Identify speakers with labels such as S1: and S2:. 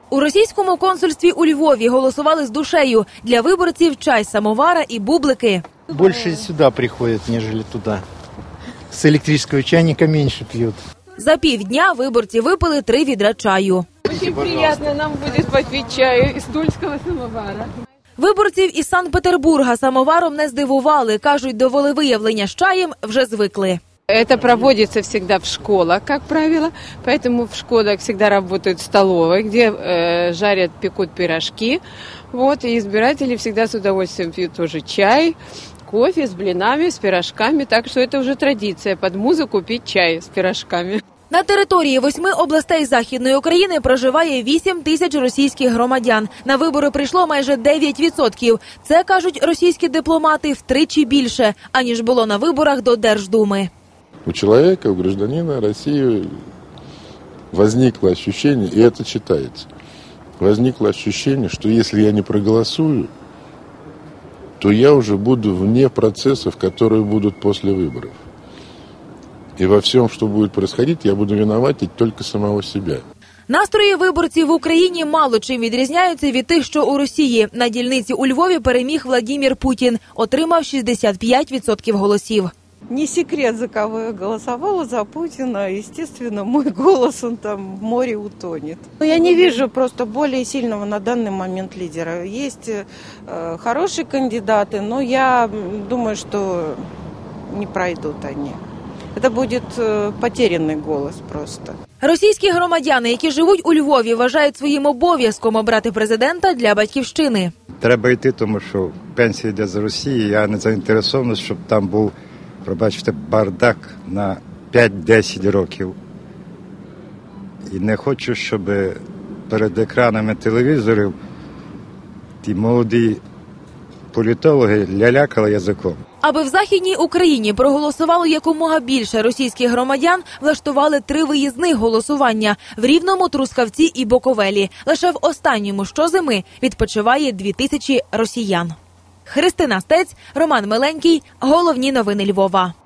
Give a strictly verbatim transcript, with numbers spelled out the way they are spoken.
S1: У російському консульстві у Львові голосували з душею. Для виборців чай з самовара і бублики.
S2: Більше сюди приходять, ніж туди. З електричного чайника менше п'ють.
S1: За півдня виборці випили три відра чаю.
S3: Дуже приємно нам буде попити чаю із тульського самовара.
S1: Виборців із Санкт-Петербурга самоваром не здивували. Кажуть, до волевиявлення з чаєм вже звикли.
S3: Это проводится всегда в школах, как правило, поэтому в школах всегда работают столовые, где э, жарят, пекут пирожки, вот, и избиратели всегда с удовольствием пьют тоже чай, кофе с блинами, с пирожками, так что это уже традиция под музыку пить чай с пирожками.
S1: На території восьми областей Західної України проживає вісім тисяч російських громадян. На вибори прийшло майже дев'ять відсотків. Це, кажуть російські дипломати, втричі більше, аніж було на виборах до Держдуми.
S4: У человека, у гражданина России возникло ощущение, и это читается, возникло ощущение, что если я не проголосую, то я уже буду вне процессов, которые будут после выборов. И во всем, что будет происходить, я буду виноватить только самого себя.
S1: Настрої виборців в Україні мало чим відрізняються від тих, що у Росії. На дільниці у Львові переміг Владимир Путін, отримав шістдесят п'ять відсотків голосів.
S5: Не секрет, за кого я голосовала, за Путина. Естественно, мой голос, он там в море утонет. Но я не вижу просто более сильного на данный момент лидера. Есть э, хорошие кандидаты, но я думаю, что не пройдут они. Это будет э, потерянный голос просто.
S1: Російські громадяни, які живуть у Львові, вважають своїм обов'язком обрати президента для батьківщини.
S6: Треба йти, тому що пенсія йде з Росії. Я не заінтересований, щоб там був, пробачте, бардак на п'ять-десять років. І не хочу, щоб перед екранами телевізорів ті молоді політологи лялякали язиком.
S1: Аби в Західній Україні проголосувало якомога більше російських громадян, влаштували три виїзних голосування – в Рівному, Трускавці і Буковелі. Лише в останньому щозими відпочиває дві тисячі росіян. Христина Стець, Роман Миленький. Головні новини Львова.